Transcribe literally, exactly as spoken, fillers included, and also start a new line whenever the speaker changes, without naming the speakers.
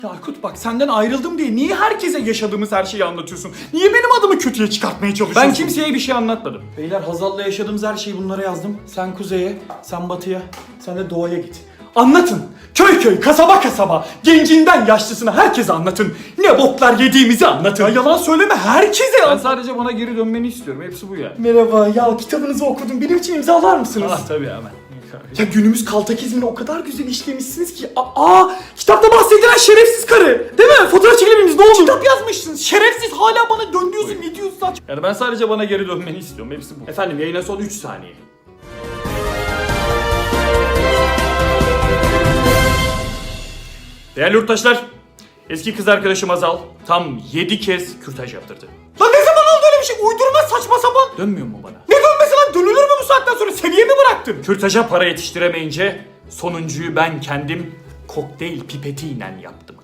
Ya Aykut bak senden ayrıldım diye niye herkese yaşadığımız her şeyi anlatıyorsun? Niye benim adımı kötüye çıkartmaya çalışıyorsun? Ben kimseye bir şey anlatmadım. Beyler Hazal'la yaşadığımız her şeyi bunlara yazdım. Sen kuzeye, sen batıya, sen de doğuya git. Anlatın. Köy köy, kasaba kasaba, gencinden yaşlısına herkese anlatın. Ne boklar yediğimizi anlatın. Ya yalan söyleme herkese. Ben sadece bana geri dönmeni istiyorum. Hepsi bu ya. Merhaba ya kitabınızı okudum. Benim için imzalar mısınız? Ah tabii hemen. Ya günümüz kaltakizmini o kadar güzel işlemişsiniz ki. Aa, kitapta bahsedilen şerefsiz karı. Değil mi? Fotoğraf çekebiliriz ne olur. Kitap yazmışsınız. Şerefsiz hala bana dön diyorsun. Ne diyorsun saç? Yani ben sadece bana geri dönmeni istiyorum. Hepsi bu. Efendim yayına son üç saniye. Değerli yurttaşlar, eski kız arkadaşım Hazal tam yedi kez kürtaj yaptırdı. Lan ne zaman oldu öyle bir şey? Uydurma saçma sapan. Dönmüyor mu bana? Ne dönmesi lan? Dönülür mü bu saatten sonra? Seviyemi bıraktın. Kürtaja para yetiştiremeyince sonuncuyu ben kendim kokteyl pipetiyle yaptım.